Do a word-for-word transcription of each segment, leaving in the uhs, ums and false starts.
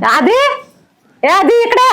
आधी ए आधी इकडे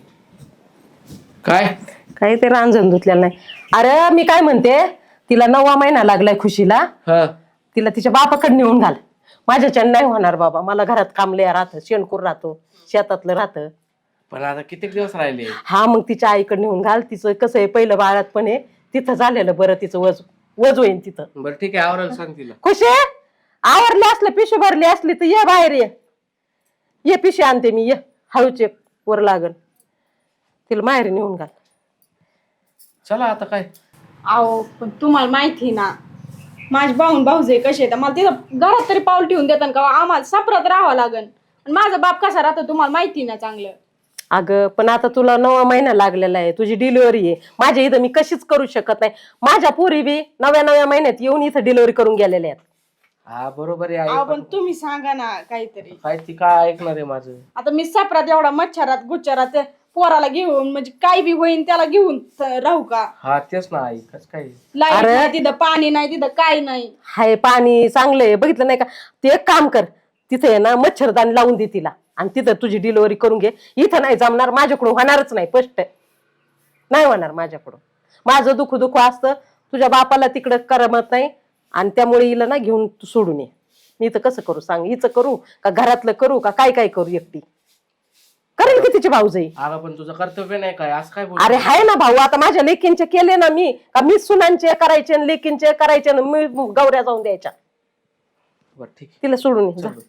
काय काही ते रांजण धुतलेलं नाही. अरे मी काय म्हणते, तिला नववा महिना लागलाय खुशीला. हा तिला तिच्या बापाकडे नेऊन घाल. माझ्याच्या नाही होणार बाबा, मला घरात कामले राहतं, शेणकूर राहतो, शेतातलं राहतं. पण आता किती दिवस राहिले? हा मग तिच्या आईकडे नेऊन घाल. तिचं कसं आहे, पहिलं बाळात पण आहे तिथं झालेलं बरं, तिचं वज वज होईन तिथं. बरं ठीक आहे, आवरायला सांग तिला. खुशी आवरली असलं, पिशवी भरली असली तर ये बाहेर, ये ये पिशवी आणते मी, ये हळूच एक वर लागल. तिला माहेरी नेऊन घाल. चला आता काय. अहो पण तुम्हाला माहिती ना माझे भाऊन भाऊजे कसे आहेत, मला तिथं घरात तरी पाऊल ठेवून देतात का? आम्हाला सापरात राहावं लागन. आणि माझा बाप कसा राहतो तुम्हाला माहिती ना चांगलं. अगं पण आता तुला नवा महिना लागलेला आहे, तुझी डिलिव्हरी आहे. माझ्या इथं मी कशीच करू शकत नाही. माझ्या पोरी बी नव्या नव्या महिन्यात येऊन इथं डिलिव्हरी करून गेलेल्या आहेत. हा बरोबर आहे अहो आई, पण तुम्ही सांगा ना काहीतरी. काय ती काय ऐकणार आहे माझं? आता मी सापरात एवढा मच्छरात गुच्छरात पोराला घेऊन, म्हणजे काय बी होईन त्याला घेऊन राहू का? हा तेच ना आई, कस काय? लाईट नाही तिथं, पाणी नाही तिथं, काय नाही. हाय पाणी चांगलंय, बघितलं नाही का? ते एक काम कर, तिथे आहे ना मच्छरदाणी लावून दे तिला आणि तिथं तुझी डिलिव्हरी करून घे. इथं नाही जमणार, माझ्याकडून होणारच नाही, स्पष्ट नाही होणार माझ्याकडून. माझं दुःख दुःख असतं, तुझ्या बापाला तिकडं करमत नाही आणि त्यामुळे हिला ना घेऊन तू सोडून ये. मी इथं कसं करू सांग? हिचं करू का घरातलं करू का काय काय करू? एकटी करेल की तिचे भाऊजाई. अगं पण तुझं कर्तव्य नाही काय असं काय बोल? अरे हाय ना भाऊ, आता माझ्या लेकींचे केले ना मी, का मी सुनांचे करायचे आणि लेकींचे करायचे ना मी गौऱ्या जाऊन द्यायच्या. बरं ठीक आहे, तिला सोडून ये जा. चल.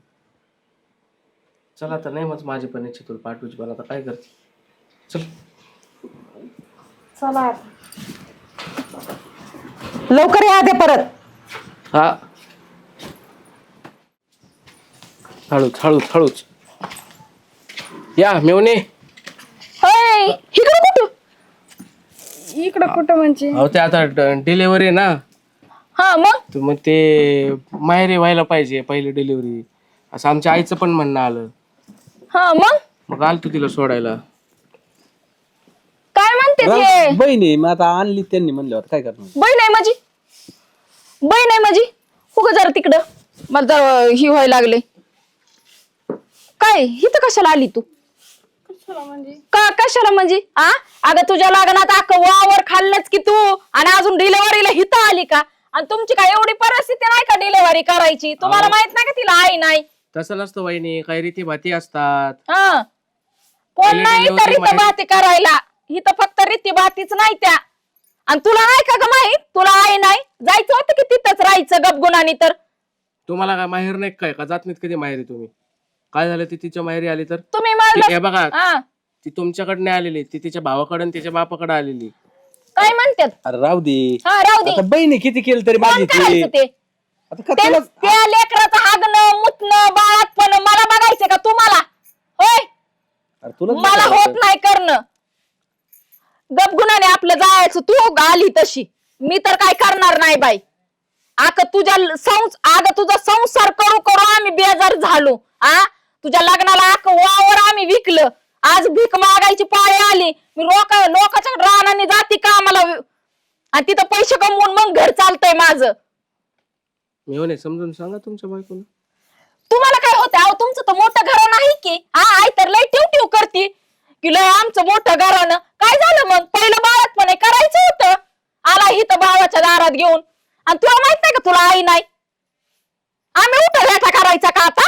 चला तर नाही मग माझी पण इच्छा तुला पाठवूची, पण आता काय करते? चल चला लवकर या दे परत. हा हळूच हळूच हळूच या मेवणे. होय, इकडं कुठं? इकडं कुठं म्हणजे? अहो ते आता डिलिव्हरी ना, हा मग तर मग ते माहेरी व्हायला पाहिजे पहिली डिलिव्हरी, असं आमच्या आईचं पण म्हणणं आलं. हा मग मग आल तू तिला सोडायला. काय म्हणते ते? बहिणी मग आता आणली त्यांनी म्हणल्यावर काय करणार? बहीण आहे माझी, बहीण आहे माझी. हो जरा तिकडं, मला जरा ही व्हायला लागले. काय इथं कशाला आली तू? का कशाला म्हणजे? आ अगं तुझ्या लग्नात अख्खं वावर खाल्लंच की तू, आणि अजून डिलिव्हरीला हिथं आली का? आणि तुमची काय एवढी परिस्थिती नाही का डिलिव्हरी करायची? तुम्हाला माहित नाही का तिला आई नाही? तसं नसतं वहिनी, काही रीती भाती असतात. हा कोण पहिली नाही तर delivery रीती माहित- भाती करायला, इथं फक्त रीती भातीच नाही त्या. आणि तुला नाही का ग माहित? तुला आई नाही, जायचं होतं की तिथंच राहायचं गपगुणानी. तर तुम्हाला काय माहेर नाही काय का? जात नाहीत कधी माहेरी तुम्ही? काय झालं ती तिच्या माहेरी आली तर? तुम्ही ती- म्हणलं हे बघा, हा, ती तुमच्याकडे नाही आलेली, ती तिच्या भावाकडे आणि तिच्या बापाकडे आलेली. काय म्हणतात? अरे राहू दे, हा राहू दे. आता बहिणी किती केलं तरी कोण माझी ती. करायचं ते? आता का त्या तुला त्या लेकराचं हागणं मुतणं बाळातपण मला बघायचं का तुम्हाला? होय, अरे तुला मला होत नाही करणं. गपगुणाने आपलं जायचं. तू आली तशी, मी तर काय करणार नाही बाई. आग तुझ्या संस आग तुझा संसार करू करू आम्ही बेजार झालो. आ तुझ्या लग्नाला आख वावर आम्ही विकलं. आज भीक मागायची पाळी आली. मी लोक लोकांच्या रानाने जाती का आम्हाला, आणि तिथं पैसे कमवून मग घर चालतंय माझं. मेवणे समजून सांगा तुमच्या बायकोला. तुम्हाला काय होतं? अहो तुमचं तर मोठं घर नाही की? हा आई तर लय टिव टिव करती की लय आमचं मोठं घरानं. काय झालं मग? पहिलं बाळात पण करायचं होतं. आला इथं भावाच्या दारात घेऊन, आणि तुला माहित नाही का तुला आई नाही? आम्ही उठा रेटा करायचा का आता?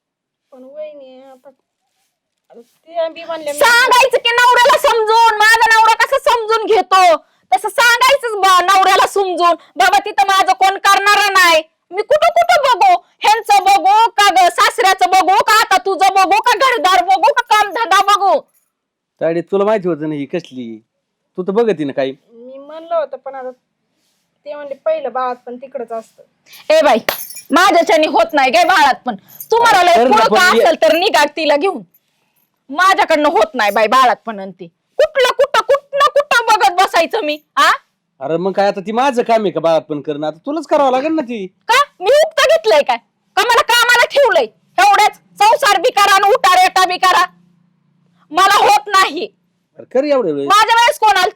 सांगायचं की नवऱ्याला समजून. माझा नवरा कसं समजून घेतो तसं सांगायचं नवऱ्याला समजून. बाबा तिथं माझं कोण करणार नाही. मी कुठं कुठं बघू? ह्यांचं बघू का ग सासऱ्याचं बघू का आता तुझं बघू का घरदार बघू का कामधंदा बघू? ताडी तुला माहिती होतं ना ही कसली, तू तर बघती ना काही. मी म्हणलं होतं पण आता ते म्हणले पहिलं बाळात पण तिकडच असतं. ए बाई माझ्याच्याने होत नाही काय बाळात पण. तुम्हाला लय कर ना पुढं का पण ये. असेल तर निघा तिला घेऊन. माझ्याकडनं होत नाही बाई बाळात पण. आणि ती कुठलं कुठं कुठं कुठं बघत बसायचं मी? आ अरे मग काय आता ती माझं काम आहे का बाळात पण करणं? आता तुलाच करावं लागेल ना ती. का मी उक्त घेतलंय काय? का मला कामाला ठेवलंय? एवढ्याच संसार बी करा आणि उठा रेटा बी करा. मला होत नाही. अरे कर एवढे वेळ. माझ्या वेळेस कोण आलत?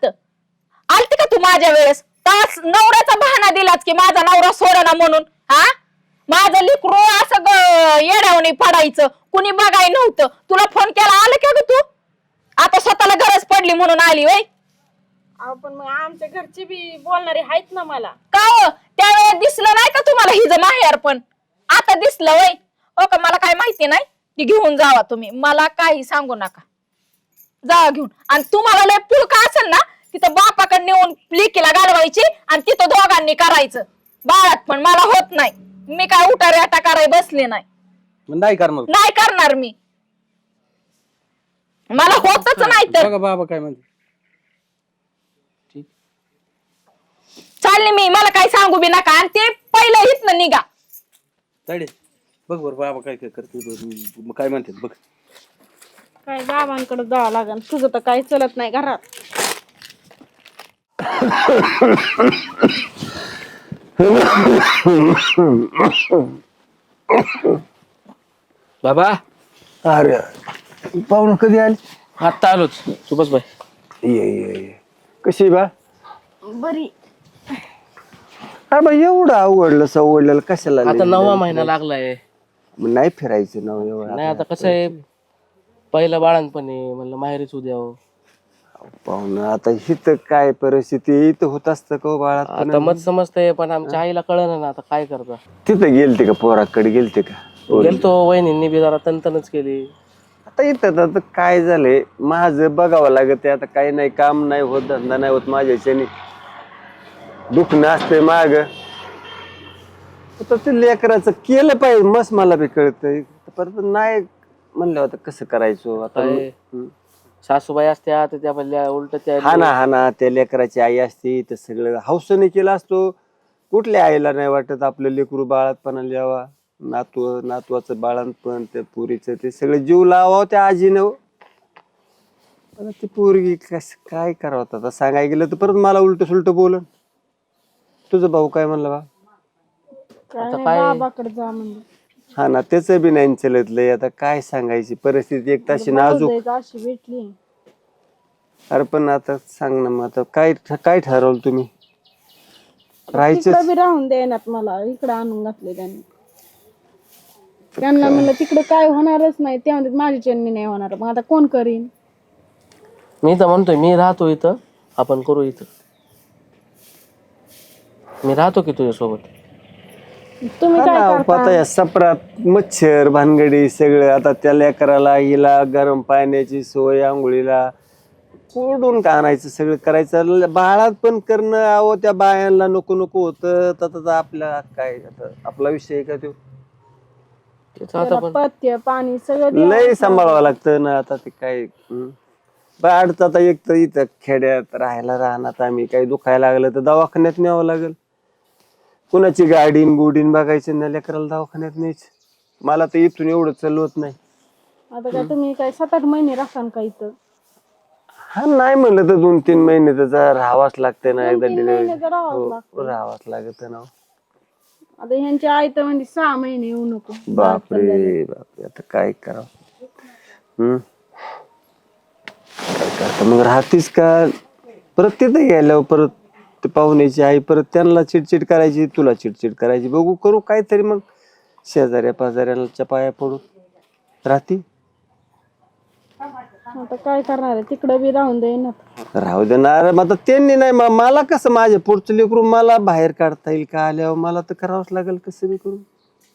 आलती का तू माझ्या वेळेस? तास नवऱ्याचा बहाणा दिलाच की माझा नवरा सोडना म्हणून. हा माझं लेकरू असं ग- येड्यावणी पडायचं, कुणी बघाय नव्हतं. तुला फोन केला आलं का ग तू? आता स्वतःला गरज पडली म्हणून आली वय. अहो पण मग आमच्या घरचे बी बोलणारे आहेत ना मला. का हो त्यावेळेस दिसलं नाही का तुम्हाला हिज माहेर? पण आता दिसलं वय. हो का, मला काय माहिती नाही की घेऊन जावा तुम्ही, मला काही सांगू नका, जावा घेऊन. आणि तुम्हाला लय पुळका असेल ना तिथं बापाकडे नेऊन लेकीला घालवायची आणि तिथं दोघांनी करायचं बाळात. पण मला होत नाही, मी काय उठारे आटा कराय बसले नाही, मग नाही करणार. नाही करणार मी, मला होतच नाही. तर बघा बाबा काय म्हणते. चालले मी, मला काही सांगू बी नका. आणि ते पहिलं इथनं निघा. ताडे बघ बरं बाबा काय काय करते बघ, काय म्हणते बघ. काय बाबांकडे जावं लागेल, तुझं तर काही चलत नाही घरात. बाबा अरे पाहुणं कधी आली? आता आलोच. सुभाष भाई ये ये ये कशी बा? बरी. अरे बा एवढं अवघडलं सवडलेलं कशाला? आता नववा महिना लागलाय. मग नाही फिरायचं ना एवढं. नाही आता कसं आहे, पहिलं बाळणपणी म्हणलं माहेरीच उद्या. पाहुणं आता हिथं काय परिस्थिती इथं होत असतं का बाळात? आता मत समजतंय पण आमच्या आईला कळलं ना आता काय करता. तिथं गेलते का पोराकडे गेलते का? गेलतो, वहिनींनी बी जरा तनतनच केली. आता इथं आता काय झालंय माझं बघावं लागत. आता काही नाही, काम नाही होत, धंदा नाही होत माझ्याच्याने, दुखणं असतंय माग. आता ते लेकराचं केलं पाहिजे मस्त, मला बी कळतंय. परत नाही म्हणलं होतं कसं करायचो आता. काय? हम्म. सासूबाई असत्या तर त्या म्हणल्या उलट त्या हा ना हा ना त्या लेकराची आई असते तर सगळं हौसने केलं असतो. कुठल्या आईला नाही वाटत आपलं लेकरू बाळातपणाला यावा, नातू नातवाचं बाळातपण, त्या पुरीचं ते सगळं जीव लावावं त्या आजीनं. आता ती पोरगी कस काय करावं आता सांगायला गेलं तर परत मला उलट सुलट बोलन. तुझं भाऊ काय म्हणलं बा? काय नाही, बाबाकडे जा म्हणजे. हा ना त्याचं बी नाही चलतलंय. आता काय सांगायची परिस्थिती एक तशी नाजूक. भाऊजाईच अशी भेटली. अरे पण आता सांग ना मग आता काय काय ठरवलं तुम्ही? राहायचं तिकडे बी राहून देण्यात मला इकडे आणून घातले त्यांनी. त्यांना म्हणलं तिकडे काय होणारच नाही, ते म्हणतात माझी चन्नी नाही होणार. मग आता कोण करीन? मी तर म्हणतोय मी राहतो इथं, आपण करू इथं. मी राहतो की तुझ्यासोबत. तुम्ही काय करता? आता या सपरात मच्छर भानगडी सगळं. आता त्या लेकराला हिला गरम पाण्याची सोय, आंघोळीला कोडून का आणायचं सगळं करायचं. बाळात पण करणं अहो त्या बायांना नको नको होतं. तर आपला काय आता आपला विषय आहे का तो? त्याचं आता त्याला पण पथ्य पाणी सगळं द्यावं. लय सांभाळावं लागतं ना आता ते काय. हम्म. बाळात आता एक तर इथं खेड्यात राहायला राहणार आम्ही, काही दुखायला लागलं तर दवाखान्यात न्यावं लागेल. कुणाची गाडीन गुडीन बघायचं ना लेकराला दवाखान्यात न्यायचं. मला तर इथून एवढं चालवत नाही. आता काय तुम्ही काय सात आठ महिने राहसान का इथं? हा नाही म्हणलं तर दोन तीन महिने तर राहावाच लागतंय ना. एकदा तीन डिलिव्हरी महिने तर राहावंच लागतं. राहावाच लागत ना. आता ह्यांची आई तर म्हणजे सहा महिने येऊ नको. बापरे बापरे आता काय करावं. हम्म काय करता मग राहतीस का परत तिथं गेल्यावर? परत ते पाहुण्याची आई परत त्यांना चिडचिड करायची, तुला चिडचिड करायची. बघू करू काहीतरी मग शेजाऱ्या पाजाऱ्यांच्या पाया पडू राहती. आता काय करणार आहे, तिकडे बी राहून देईनात. राहू देणार मग आता त्यांनी नाही. म- मला कसं माझ्या पुढचं लेकरू मला बाहेर काढता येईल का आल्यावर? मला तर करावंच लागेल कसं बी करून.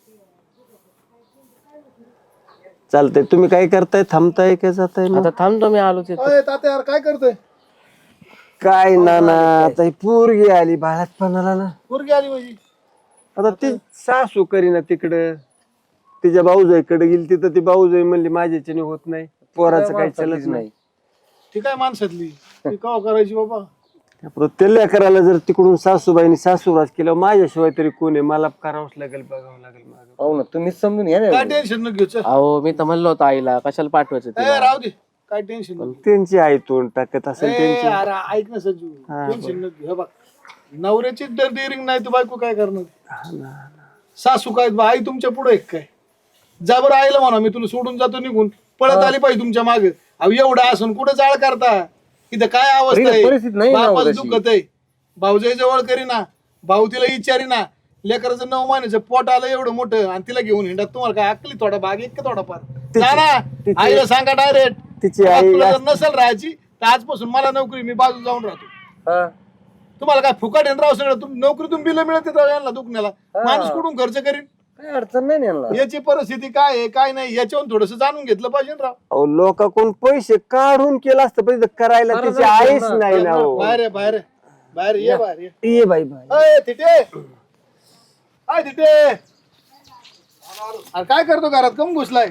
चालतंय. तुम्ही काय करताय? थांबताय का जाताय? मग आता थांबतो मी, आलो तिथं. काय करतोय? काय ना ना आता ही पोरगी आली बाळातपणाला ना. पोरगी आली माझी. आता ती सासू करीना तिकडं, तिच्या भाऊजाईकडे गेली तिथं ती भाऊजाई म्हणली माझ्याच्याने होत नाही, पोराचं काही चलत नाही. ती काय माणसातली, ती कवा करायची बाबा? त्यामुळं त्या लेकराला जर तिकडून सासूबाईनी सासूराज केलं माझ्याशिवाय तरी कोण आहे? मला करावंच लागेल, बघावं लागेल माझं. पाहू ना तुम्हीच समजून घ्या काय ना. टेन्शन न घेऊ. चल अहो मी तर म्हणलो होतो आईला कशाला पाठवायचं ए, तिला. राहू दे, काय टेन्शन पण त्यांची आई तोंड टाकत असेल त्यांची. अरे ऐक ना सज्जू, टेन्शन न घेऊ. हे बघ, नवऱ्याची डेअरिंग नाही तर बायको काय करणार? सासू काय आई तुमच्या पुढे एक काय? जा बरं आईला म्हणा मी तुला सोडून जातो निघून, पळत आली पाहिजे तुमच्या मागे. अहो एवढं असून कुठे जाळ करता? इथं काय अवस्था परिस्थिती आहे? नाही ना बापाचं तशी. दुखत आहे, भाऊजाई जवळ करीना, भाऊ तिला विचारीना, लेकराचं नऊ महिन्याचं पोट आलं एवढं मोठं आणि तिला घेऊन हिंडा तुम्हाला काय अक्कली थोडा भाग एक का थोडा फार जा ना आईला सांगा डायरेक्ट तिची आई तुला जर नसेल राहायची तर आजपासून मला नोकरी मी बाजू जाऊन राहतो हा. तुम्हाला काय फुकट येणार राव सगळं तुम नोकरीतून बिल मिळते यांना दुखण्याला माणूस कुठून खर्च करीन काय अडचण नाही ना यांना. याची परिस्थिती काय आहे काय नाही याच्यावरून थोडस जाणून घेतलं पाहिजे ना राव अहो लोकांकडून पैसे काढून केलं असतं पण इथं करायला बरं तिची झालं आईच ना. नाही ना हो. बाहेर आहे, बाहेर आहे. बाहेर ये बाहेर ये ये बाई बाई अय तिथे अय तिथे अरे काय करतो घरात कम घुसलाय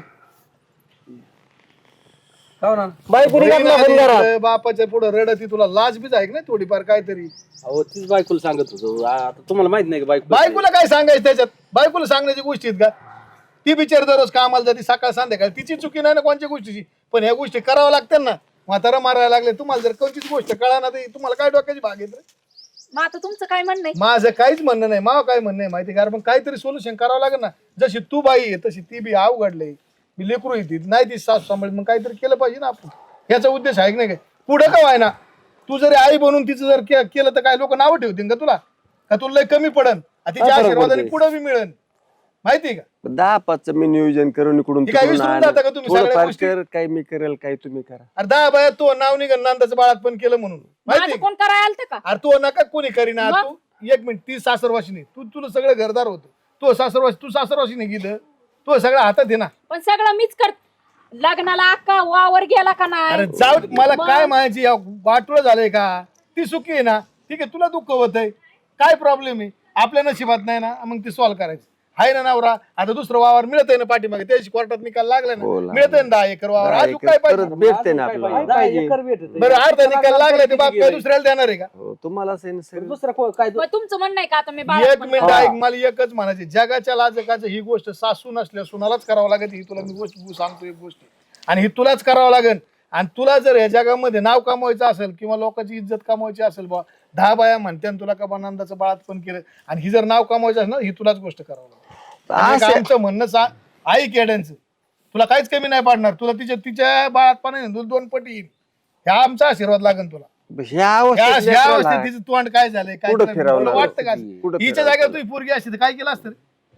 हो ना. बायकोनी घातला पण घरात. अरे बापाच्या पुढे रडती तुला लाज बीज आहे का नाही थोडीफार काहीतरी अहो तीच बायकोला सांगत होतो आ- आता तुम्हाला माहित नाही का बायको बायकोला काय सांगायचं त्याच्यात बायकोला सांगण्याची गोष्टी आहेत का ती बिचारी दररोज कामाला जाते सकाळ संध्याकाळ तिची चुकी नाही ना कोणत्या गोष्टीची पण ह्या गोष्टी कराव्या लागतात ना म्हातारा मारायला लागले तुम्हाला जर कोणतीच गोष्ट कळा ना तर तुम्हाला काय डोक्याची भाग येत रे? मग आता तुमचं काय म्हणणं आहे? माझं काहीच म्हणणं नाही माव काय म्हणणं आहे माहिती कारण पण काहीतरी सोल्युशन करावं लागेल ना जशी तू बाई आहे तशी ती बी अवघडले मी लेकरू येते नाही ती सासू सांभाळ मग काहीतरी केलं पाहिजे ना आपण ह्याचा उद्देश आहे की नाही काय पुढे का व्हाय ना तू जरी आई बनून तिचं जर के- केलं तर काय लोक नावं ठेवतील का तुला का तुला लय कमी पडन आ तिच्या आशीर्वादाने पुढे बी मिळेल माहिती का दहा पाचचं मी नियोजन करून इकडून हे काय तिकडून विसरून आणलं. जाता का तुम्ही सगळ्या थोडंफार गोष्टी? कर काय मी करेल काय तुम्ही करा अरे दहा बाया तो नाव निघन नंदाचं बाळात पण केलं म्हणून माहिती माझं का? कोण करायला आलतं का? अरे तू नका कोणी करीना तू एक मिनिट ती सासरवाशीने तू तुला सगळं घरदार होतं तू सासरवाशी तू सासरवाशीने गेलं तू सगळं हातात आहे ना पण सगळं मीच कर लग्नाला अक्का वावर गेला का अरे नाही? जाऊ दे, मला काय म्हणायची वाटोळ झालंय का ती सुखी आहे ना ठीक आहे तुला दुःख होत आहे काय प्रॉब्लेम आहे आपल्या नशिबात नाही ना मग ती सॉल्व्ह करायची आहे ना नवरा आता दुसरं वावर मिळत आहे ना पाठीमागे त्याची कोर्टात निकाल लागला ना हो, लागला. मिळत आहे ना दहा एकर वावर दहा अजून एकर काय परत पाहिजे भेटते ना आपल्याला दहा एकर भेटत बरं अर्धा निकाल लागला ते बाप काय दुसऱ्याला देणार आहे का हो तुम्हाला असं आहे ना सगळं. दुसरा को- काय मग तुमचं म्हणणं आहे का आता मी बाळात एक पण मिनिट ऐक मला एकच म्हणायचे जगाच्या लाजकाचं ही गोष्ट सासू नसल्या सुनालाच करावं लागेल ही तुला मी गोष्ट सांगतो एक गोष्ट आणि ही तुलाच करावं लागेल आणि तुला जर या जगामध्ये नाव कमवायचं असेल किंवा लोकांची इज्जत कमवायची असेल बा दहा बाया म्हणते आणि तुला का नंदाचं बाळात पण केलं आणि ही जर नाव कमवायचं असेल ना ही तुलाच गोष्ट करावं लागेल आणि एक आमचं म्हणणं सा आई केड्यांचं तुला काहीच कमी नाही पाडणार तुला तिच्या तिच्या बाळात पण तुला दोन पटी येईल ह्या आमचा आशीर्वाद लागेल तुला ह्या या अवस्थेत या लेकराला अवस्थेत तिचं तोंड काय झालंय काय कुठं तुला फिरावं लागलं? वाटतं का कुठं हिच्या फिरावं जागेवर तुझी पोरगी असते तर काय केलं असतं रे?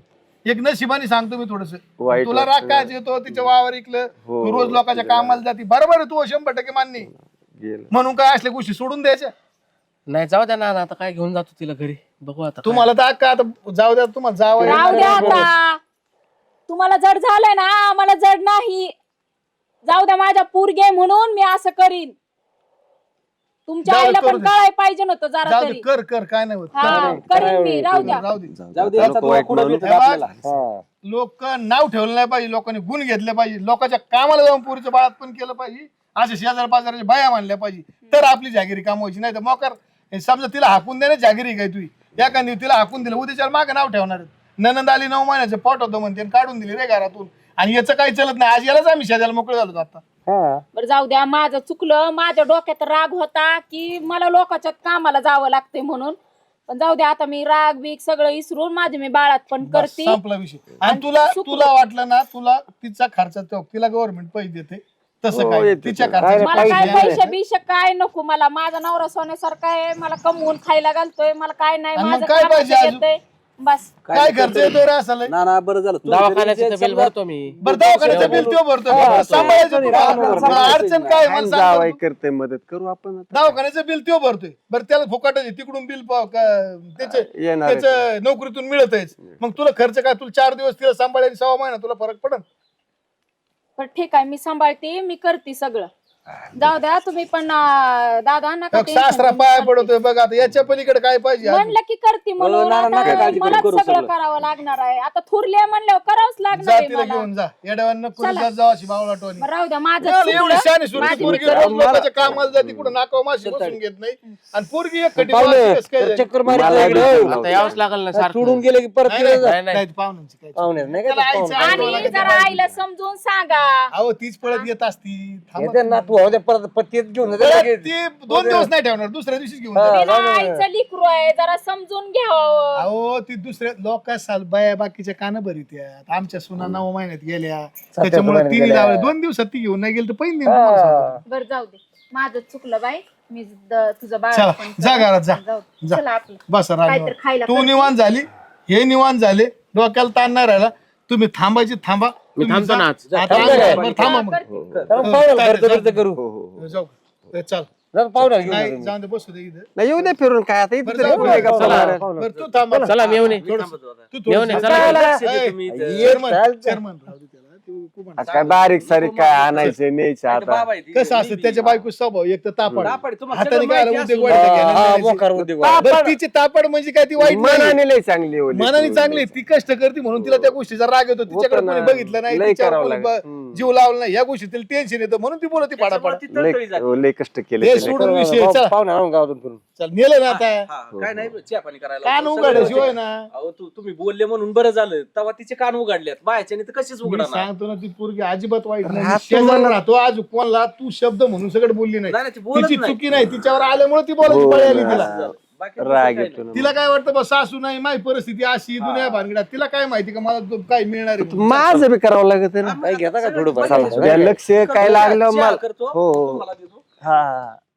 एक नशिबाने सांगतो मी थोडस वाईट तुला राग वाटतं. काय येतो तिच्या वावर इकलं हो, तू रोज लोकांच्या कामाला जाते बरोबर आहे तू शंभर टक्के मान्य आहे. गेलं. म्हणून काय असल्या गोष्टी सोडून द्यायच्या नाही जाऊ द्या ना आता काय घेऊन जातो तिला घरी बघू आता काय. तुम्हाला तर अक्का आता जाऊ द्या तुम्हाला जावं राहू द्या आता तुम्हाला जड झालंय ना आम्हाला जड नाही जाऊ द्या माझ्या पोरगे म्हणून मी असं करीन तुमच्या जाऊ दे, आईला करू पण दे. कळायला पाहिजे नव्हतं जरा जाऊ दे तरी कर कर काय नाही होत हा करीन मी राहू द्या राहू दे जाऊ दे आता याचा लोकं वाईट कुठं म्हणून- भेटत आपल्याला हा. लोक नाव ठेवलं नाही पाहिजे लोकांनी गुण घेतले पाहिजे लोकांच्या कामाला जाऊन पोरीच्या बाळात पण केलं पाहिजे असे शेजार पाजाराच्या बाया मानल्या पाहिजे तर आपली जागिरी कामवायची नाही तर मोकार हे समजा तिला हाकून देणे जागिरी काय तुझी एखादी तिला हाकून दिलं उद्याच्या मागे नाव ठेवणार ननंद आली नऊ महिन्याचं पोट होतं म्हणते आणि काढून दिली रे घरातून आणि याचं काही चलत नाही आज यालाच आम्ही शेजाला मोकळे झालो आता हा. बरं जाऊ द्या माझं चुकलं माझ्या डोक्यात राग होता की मला लोकांच्या कामाला जावं लागते म्हणून पण जाऊ द्या आता मी राग बीग सगळं विसरून माझे मी बाळात पण बस, करते संपला विषय आणि आणि तुला सुखरूप. तुला वाटलं ना तुला तिचा खर्च तिला गव्हर्नमेंट पैसे देते तसं हो, काय येते तिच्या त्याला. खर्चाचं मला काय पैसे पैसे बिशे काय नको मला माझा नवरा सोन्यासारखा आहे मला कमवून खायला घालतोय मला काय नाही आणि मग माझं काय कामाचं पाहिजे अजून? येतंय. बस काय खर्च येतो रे असं लय? ना ना बरं झालं तू दवाखान्याचं जरी तर जे बिल समजा- भरतो मी बरं दवाखान्याचं बिल तो भरतो हा, सांभाळायचं तो- तुम्हाला. तो- मला अडचण काय मला आणि सांग जावाई बरं. करते मदत करू आपण आता. दवाखान्याचं बिल तो भरतोय बरं त्याला फुकट आहे तिकडून बिल पाव का- त्याचे येणार आहे. त्याचं नोकरीतून मिळतच मग तुला खर्च काय तुला चार दिवस तिला सांभाळायला सहा महिना तुला फरक पडन पण ठीक आहे मी सांभाळते मी करते सगळं जाऊ द्या तुम्ही पण अं, दादा नका मग tension सासरा घेऊ. पाया पडतोय बघ आता याच्या पलीकडे काय पाहिजे अजून? म्हणलं की करते म्हणून हो, ना, ना, नका आता काळजी करू, मलाच करू सगळं सगळं. करावं लागणार आहे आता थुरले म्हणल्यावर करावंच लागणार जा आहे तिला मला. घेऊन जा येड्यावांना पुरी जात जाऊ अशी बावला टोनी बरं, राहू द्या माझं एवढी चुकलं. शानी सुरती माझी पोरगी मी रोज लोकांच्या कामाला जाते कुठं नाकाव माशी बसून घेत नाही आणि पोरगी एक खटी पाहुणे, माशी कसं काय तर झाली? चक्कर मारी मला इकडे. बी आता यावंच लागल ना सारखं सोडून गेले की परत नाही, तिकडे जा. नाही, नाही. नाही, पाहुण्यांची काय पाहुणे नाही का त्याला ते आईचं पाहुणे. आठवण आणि लागते जरा बाळा. आईला समजून सांगा अहो तीच पळत येत असती थांबा. येते ना तू होते परत पत्तीत घेऊन जा परत लगेच. ती दोन दिवस नाही ठेवणार दुसऱ्या दिवशीच घेऊन हा. जाणार. तिला आईचं लिकरू आहे जरा समजून घ्यावं अहो ती दुसऱ्या लोक साल बाया बाकीच्या कान भरीत यात आमच्या सुना नऊ महिन्यात गेल्या त्याच्यामुळे महिन्यात तिने गेल्या. लावले दोन दिवसात ती घेऊन नाही गेली तर पहिली हा. बरं जाऊ दे माझं चुकलं बाई मी द- तुझं बाळ चला पण जा घरात जा जाऊ दे. जा. चला आपलं बस काहीतरी खायला तू करते. निवांत झाली हे निवांत झाले, डोक्याला ताण नाही राहिला. तुम्ही थांबायची थांबा. मी तुम्ही थांबतो जा. ना आज. आता थांबणार आहे. बरं, थांबा मग. करू जाऊ ए, चल पाहुणा नाही जाऊन दे, बसू दे इथं. नाही येऊ दे फिरून काय आता इथे बरं, तरी जाऊ कुठे दे. गप्पा चला. मारायला. बरं, तू थांबा. चला मेवणे थोडंसं- तू मेवणे, थोडंसं- चला. ए, चेअरमन, चेअरमन राहू दे त्याला. तू कुपन आज काय बारीक सारीक काय आणायचं न्यायचं आता कसं असतं त्याच्या बायको स्वभाव एक तर तापड तापड, तुम्हाला हाताने सगळं काय माहिती उद्योग असून. वाढीत हा, घ्यायला हा, लागायची. मोकार उद्योग बरं, तिची तापड म्हणजे काय ती वाईट नाही. मनाने लय चांगली ओली मनाने चांगली आहे. ती कष्ट करते म्हणून तिला त्या गोष्टीचा राग येतो. तिच्याकडे होतं ना. कोणी बघितलं नाही, लय तिच्यावर करावं कोणी लागलं. ब- हम्म. जीव लावला नाही, या गोष्टी तिला टेन्शन येतं म्हणून ती बोलते पाडापाडा. लय लय कष्ट केले हे त्याने. सोडून विषय चला. पाहुणा आणून गावातून फिरून. चल नेलं ना आता काय नाही चहा पाणी करायला कान सगळं उघडाशिवाय होतं. ना. अहो तू तुम्ही बोलले म्हणून बरं झालं. तेव्हा तिचे कान उघडलेत, बायच्याने तर कशीच मी उघडणार. सांगतो ना ती पोरगी अजिबात वाईट नाही. राहतो शेजारी राहतो आज कोणला तू शब्द म्हणून सगळं बोलली नाही. नाही, नाही, ती बोलत तिची नाही. चुकी नाही, तिच्यावर आल्यामुळे ती बोलायची हो पळी आली ना. तिला. बाकी राग काही येतो ना. तिला काय वाटतं बस सासू नाही, माझी परिस्थिती अशी दुनिया भानगडात. तिला काय माहिती का मला तो काय मिळणार आहे म्हणून. माझं बी करावं लागत आहे ना नाही. काय घेता का थोडं चला, द्या लक्ष काय लागलं चहा मला करतो, हो, हो. तुम्हाला देतो. हा